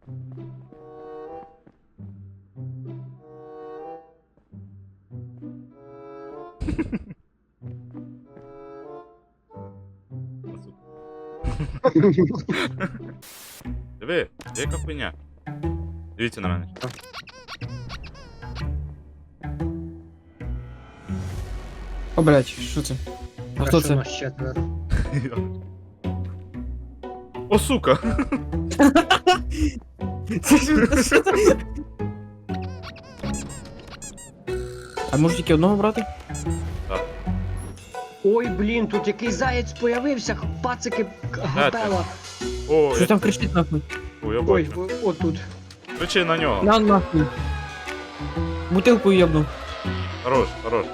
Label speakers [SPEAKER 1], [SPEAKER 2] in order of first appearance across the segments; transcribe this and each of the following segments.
[SPEAKER 1] Диви, яка хуйня. Дивіться на мене.
[SPEAKER 2] О, блядь, що це? А хто це?
[SPEAKER 3] Нас четверо.
[SPEAKER 1] О, сука!
[SPEAKER 2] Це що це? А може тільки одного брати?
[SPEAKER 3] Ой, блін, тут якийсь заєць появився, пацики, гапела.
[SPEAKER 1] О,
[SPEAKER 2] Що там кричить нахуй?
[SPEAKER 1] О, я
[SPEAKER 3] Ой,
[SPEAKER 1] бачу.
[SPEAKER 3] отут.
[SPEAKER 1] Кричи на нього.
[SPEAKER 2] На нахуй. Бутилку йобну.
[SPEAKER 1] Хорош, хорош.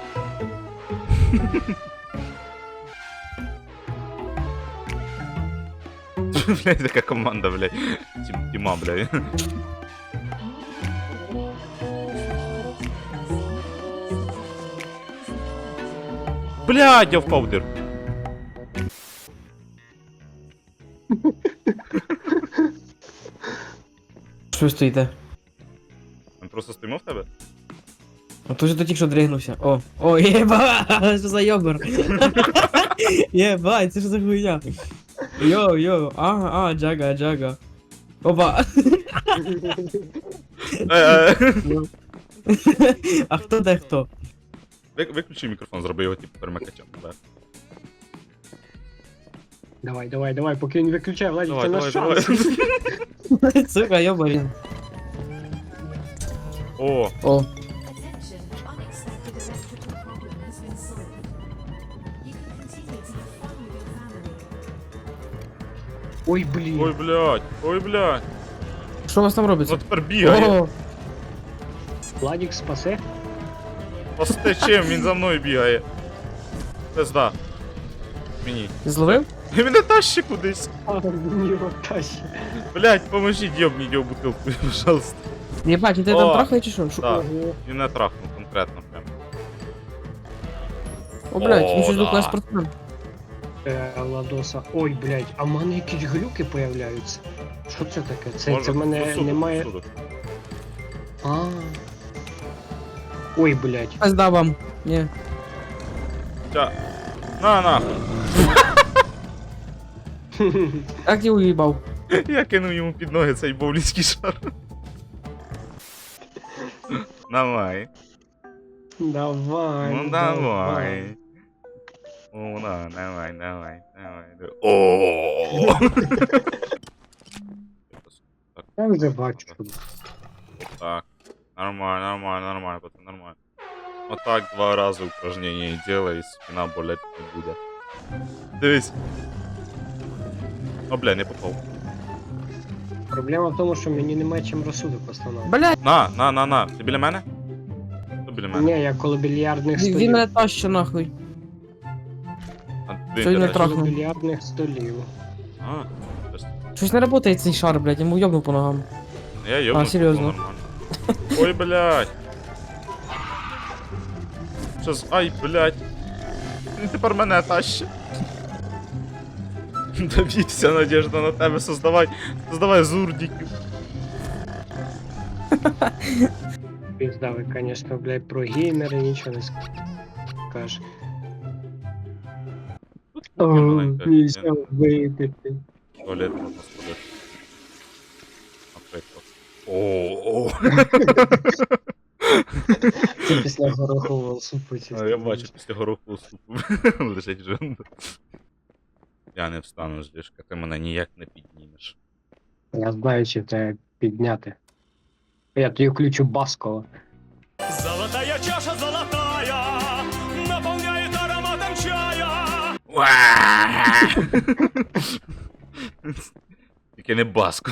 [SPEAKER 1] Блядь, така команда, блядь. Тіма, блядь. Блядь, я впав в дир.
[SPEAKER 2] Що ви стоїте?
[SPEAKER 1] Ми просто стоїмо в тебе?
[SPEAKER 2] А то ж тільки що дригнувся. О, єба! Що за йобер? Єбать, це що за хуйня? Йо, джага. Опа! А хто де хто?
[SPEAKER 1] Виключи мікрофон, зроби його типу перемикачем.
[SPEAKER 3] Давай, поки він виключає, Владик, це наш
[SPEAKER 1] Давай.
[SPEAKER 3] шанс.
[SPEAKER 2] Сука, йобарін.
[SPEAKER 1] О,
[SPEAKER 2] О,
[SPEAKER 4] Attention, unexpected electrical problem has been solved. You can continue to have fun with your family.
[SPEAKER 3] Ой, блін.
[SPEAKER 1] ой, блядь.
[SPEAKER 2] що у вас там
[SPEAKER 1] Ну
[SPEAKER 2] робиться?
[SPEAKER 1] тепер бігає.
[SPEAKER 2] О,
[SPEAKER 3] Владик спасе.
[SPEAKER 1] Пости чим, він за мною бігає. Пизда. Мені.
[SPEAKER 2] зловив?
[SPEAKER 1] Він мене тащить кудись.
[SPEAKER 3] А, мені тащить.
[SPEAKER 1] Блядь, поможіть, йобніть його бутилку, пожалуйста.
[SPEAKER 2] Єбать, він тебе
[SPEAKER 1] О,
[SPEAKER 2] там трахає чи що?
[SPEAKER 1] Так,
[SPEAKER 3] Ого.
[SPEAKER 1] він не трахнув конкретно прям.
[SPEAKER 2] О, блядь,
[SPEAKER 1] О,
[SPEAKER 2] він щось
[SPEAKER 1] да.
[SPEAKER 2] був спортсмен.
[SPEAKER 3] Ладоса. Ой, блядь, а в мене якісь глюки появляються. Що це таке? Це
[SPEAKER 1] Може,
[SPEAKER 3] в мене
[SPEAKER 1] посуду,
[SPEAKER 3] немає.
[SPEAKER 1] посуду.
[SPEAKER 3] А. Ой, блядь.
[SPEAKER 2] Пизда вам. Ні.
[SPEAKER 1] Ча. На, нахуй.
[SPEAKER 2] Як ти уїбав?
[SPEAKER 1] Я кинув йому під ноги цей боулінський шар. Давай.
[SPEAKER 3] Давай.
[SPEAKER 1] Ну давай. О, да, давай. О.
[SPEAKER 3] Я вже бачу.
[SPEAKER 1] Так. Нормально, пацан, нормально. Вот так 2 рази упражнення делай, і спина болеть не буде. Дивись. О, бля, не попав.
[SPEAKER 3] Проблема в тому, що мені немає чим розсудок встановити.
[SPEAKER 2] Блядь,
[SPEAKER 1] На. Ти біля мене? Хто біля мене?
[SPEAKER 3] Ні, я коло більярдних
[SPEAKER 2] він
[SPEAKER 3] столів.
[SPEAKER 2] мене тащить нахуй.
[SPEAKER 1] А,
[SPEAKER 2] Що він не
[SPEAKER 1] біля-
[SPEAKER 2] трах-
[SPEAKER 3] Коло більярдних столів.
[SPEAKER 1] А, тобто,
[SPEAKER 2] Щось не працює цей шар, блядь, йому йобнув по ногам.
[SPEAKER 1] я йобну.
[SPEAKER 2] серйозно?
[SPEAKER 1] Нормально. Ой, блядь. Щас, ай, блядь. Він тепер мене тащить. Давід, вся надежда на тебе, создавай зурдиків.
[SPEAKER 3] Пізда, ви, конечно, блядь, про геймери нічого не скажеш. О,
[SPEAKER 1] маленька,
[SPEAKER 3] нельзя
[SPEAKER 1] я-
[SPEAKER 3] випити.
[SPEAKER 1] Туалет можна сходити. Наприклад. О.
[SPEAKER 3] Це після горохового супу. чисто.
[SPEAKER 1] Я бачу після горохового супу. Лежить жонда. Я не встану з ліжка, ти мене ніяк не піднімеш.
[SPEAKER 3] Я знаю, чи тебе підняти. Я тобі включу Баскова.
[SPEAKER 5] Золотая чаша золотая наполняет ароматом чая.
[SPEAKER 1] Тільки не баско.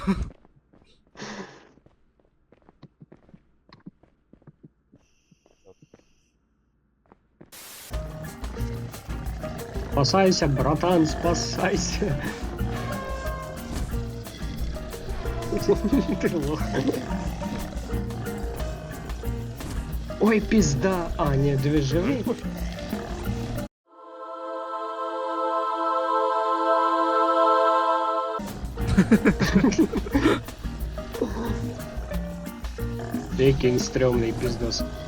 [SPEAKER 3] Спасайся, братан, спасайся. Ти лох. Ой, пізда. А, ні, диви, живий. Який він стрьомний піздос.